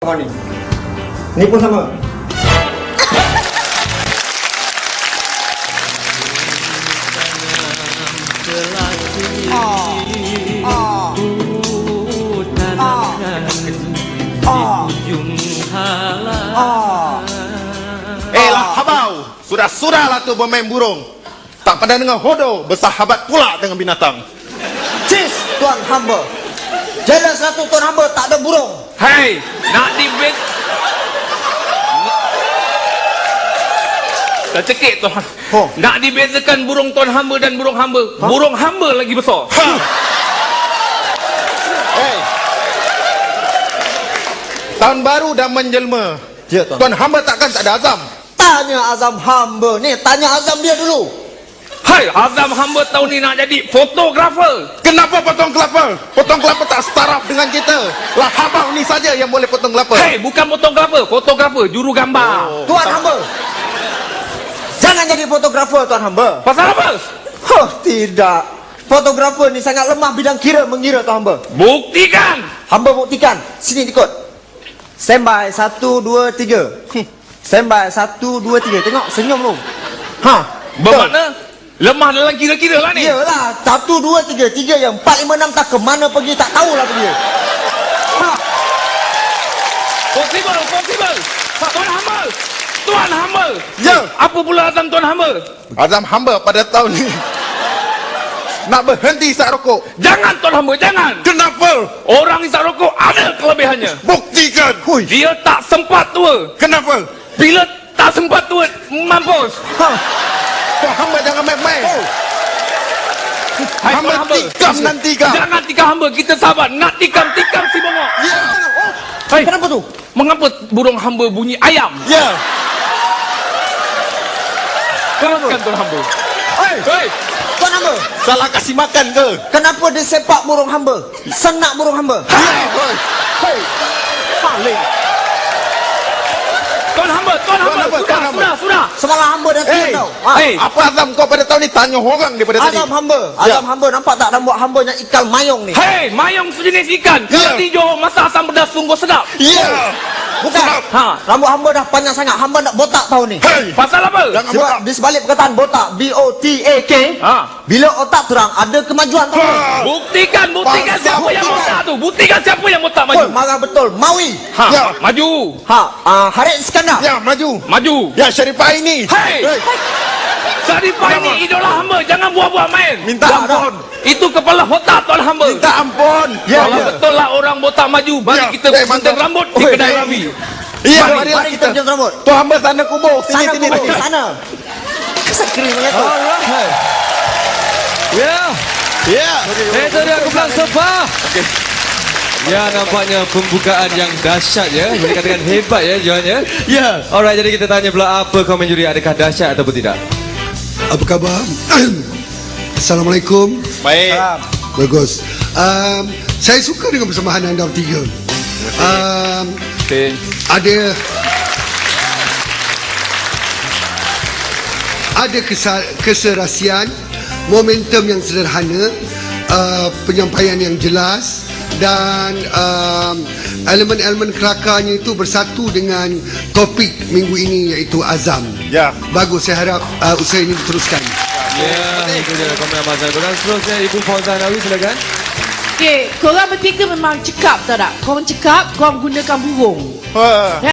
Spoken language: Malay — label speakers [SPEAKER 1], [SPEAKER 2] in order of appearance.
[SPEAKER 1] Ni. Ni pun sama.
[SPEAKER 2] Lah habau, sudah-sudahlah tu bermain burung. Tak pandai dengan hodoh, bersahabat pula dengan binatang.
[SPEAKER 1] Cis, tuan hamba. Jelas satu tuan hamba tak ada burung.
[SPEAKER 3] Hei, nak dibet. Dah cekik tuan.
[SPEAKER 1] Oh.
[SPEAKER 3] Nak dibezakan burung tuan hamba dan burung hamba.
[SPEAKER 1] Ha?
[SPEAKER 3] Burung hamba lagi besar.
[SPEAKER 2] Ha. Hey. Tahun baru dah menjelma.
[SPEAKER 1] Ya, tuan.
[SPEAKER 2] Tuan hamba takkan tak ada azam.
[SPEAKER 1] Tanya azam hamba ni, tanya azam dia dulu.
[SPEAKER 3] Hai, azam hamba tahun ni nak jadi fotografer.
[SPEAKER 2] Kenapa potong kelapa? Potong kelapa tak setaraf dengan kita. Lah habau ni saja yang boleh potong kelapa.
[SPEAKER 3] Hei, bukan fotografer, fotografer, juru gambar.
[SPEAKER 1] Tuan hamba. Jangan jadi fotografer tuan hamba.
[SPEAKER 3] Pasal apa?
[SPEAKER 1] Oh, tidak. Fotografer ni sangat lemah bidang mengira tuan hamba.
[SPEAKER 3] Buktikan.
[SPEAKER 1] Hamba buktikan. Sini ikut. Standby 1 2 3. Standby 1 2 3. Tengok senyum lu. Ha,
[SPEAKER 3] Bermakna lemah dalam kira-kira lah ni.
[SPEAKER 1] iyalah 1 2 3 3 yang 4 5 6 tak ke mana pergi tak tahulah pergi. Ha.
[SPEAKER 3] Possible, possible. Tuan hamba. Tuan hamba.
[SPEAKER 2] Ya.
[SPEAKER 3] Apa pula azam tuan hamba?
[SPEAKER 2] Azam hamba pada tahun ni nak berhenti isap rokok.
[SPEAKER 3] Jangan tuan hamba, jangan.
[SPEAKER 2] Kenapa?
[SPEAKER 3] Orang isap rokok ada kelebihannya.
[SPEAKER 2] Buktikan.
[SPEAKER 1] Hui.
[SPEAKER 3] Dia tak sempat tua.
[SPEAKER 2] Kenapa?
[SPEAKER 3] Bila tak sempat tua, mampus.
[SPEAKER 1] Ha.
[SPEAKER 2] Tuan hamba jangan main-main.
[SPEAKER 3] Hai,
[SPEAKER 2] Hamba
[SPEAKER 3] tuan hamba.
[SPEAKER 2] tikam nanti kau.
[SPEAKER 3] Jangan tikam hamba, kita sabar. Nak tikam si bongok.
[SPEAKER 2] Ya.
[SPEAKER 3] Hai,
[SPEAKER 1] Kenapa tu?
[SPEAKER 3] mengapa burung hamba bunyi ayam?
[SPEAKER 2] Ya.
[SPEAKER 3] Teruskan tuan hamba.
[SPEAKER 1] Hei,
[SPEAKER 3] Hei,
[SPEAKER 1] tuan hamba.
[SPEAKER 2] Salah kasih makan ke?
[SPEAKER 1] Kenapa dia sepak burung hamba? Senak burung hamba.
[SPEAKER 2] Ya.
[SPEAKER 1] Hei. Paling.
[SPEAKER 3] tuan hamba,
[SPEAKER 2] Tuan hamba, tuan hamba.
[SPEAKER 3] Sudah.
[SPEAKER 1] Semalam hamba dah
[SPEAKER 2] Hei,
[SPEAKER 1] tau. Ha.
[SPEAKER 3] Hei.
[SPEAKER 2] apa azam kau pada tahun ni? Tanya orang daripada tadi.
[SPEAKER 1] Azam hamba.
[SPEAKER 2] Ya.
[SPEAKER 1] Azam hamba nampak tak rambut hamba yang ikan mayong ni?
[SPEAKER 3] Hei, mayong sejenis ikan.
[SPEAKER 2] Ya.
[SPEAKER 3] Kalau di Johor masak asam pedas sungguh sedap.
[SPEAKER 2] Ya.
[SPEAKER 1] Bukan.
[SPEAKER 2] Sedap.
[SPEAKER 3] Ha.
[SPEAKER 1] Rambut hamba dah panjang sangat. Hamba nak botak tahun ni.
[SPEAKER 2] Hei.
[SPEAKER 3] Pasal apa?
[SPEAKER 2] Jangan
[SPEAKER 1] Sebab
[SPEAKER 2] botak.
[SPEAKER 1] di sebalik perkataan botak, B-O-T-A-K,
[SPEAKER 3] Ha.
[SPEAKER 1] bila otak terang ada kemajuan tahun ni.
[SPEAKER 2] Ha.
[SPEAKER 3] Buktikan
[SPEAKER 2] Bangsa
[SPEAKER 3] siapa yang
[SPEAKER 2] buktikan.
[SPEAKER 3] botak tu. Buktikan siapa yang botak
[SPEAKER 1] Oi,
[SPEAKER 3] maju.
[SPEAKER 1] marah betul. Mawi.
[SPEAKER 3] Ha,
[SPEAKER 2] Ya.
[SPEAKER 3] maju.
[SPEAKER 1] Ha, Harith Iskandar.
[SPEAKER 2] Ya, maju.
[SPEAKER 3] Maju.
[SPEAKER 2] Ya, Syarifah ini.
[SPEAKER 3] Hei. Sarifah ini idola hamba. Jangan buat-buat main.
[SPEAKER 2] Minta ampun.
[SPEAKER 3] Itu kepala otak tuan hamba.
[SPEAKER 2] Minta ampun.
[SPEAKER 1] Ya,
[SPEAKER 3] Kalau
[SPEAKER 1] ya.
[SPEAKER 3] betul lah orang botak maju, mari
[SPEAKER 2] Ya.
[SPEAKER 3] kita
[SPEAKER 2] Eh,
[SPEAKER 3] gunting
[SPEAKER 2] mantap.
[SPEAKER 3] rambut di
[SPEAKER 1] Oi,
[SPEAKER 3] kedai
[SPEAKER 1] eh.
[SPEAKER 3] Rabi.
[SPEAKER 2] Iya,
[SPEAKER 1] Mari,
[SPEAKER 2] marilah
[SPEAKER 1] mari kita
[SPEAKER 2] kita.
[SPEAKER 1] jam rambut.
[SPEAKER 2] Tuan hamba sana kubur. Sini,
[SPEAKER 1] Sana
[SPEAKER 2] sini,
[SPEAKER 1] kubur,
[SPEAKER 2] sini.
[SPEAKER 1] sana. Sekering macam tu.
[SPEAKER 4] Ya,
[SPEAKER 2] Ya.
[SPEAKER 4] itu dia kumpulan Sofa. Ya, nampaknya pembukaan yang dahsyat ya. Boleh katakan hebat ya, Johan ya.
[SPEAKER 2] Ya.
[SPEAKER 4] Alright, jadi kita tanya pula apa komen juri, adakah dahsyat ataupun tidak?
[SPEAKER 5] Apa khabar? Assalamualaikum.
[SPEAKER 2] Baik.
[SPEAKER 5] Bagus. Saya suka dengan persembahan anda bertiga. Ada keserasian, momentum yang sederhana, penyampaian yang jelas dan elemen-elemen kelakarnya itu bersatu dengan topik minggu ini iaitu azam.
[SPEAKER 2] Ya.
[SPEAKER 5] Bagus, saya harap usaha ini diteruskan.
[SPEAKER 4] Ya, itu dia komen Abang Azhar. Dan seterusnya Ibu Fauzan Nawi, silakan.
[SPEAKER 6] Okey, korang bertiga memang cekap, tahu tak? Korang cekap, korang gunakan burung.
[SPEAKER 2] Ha.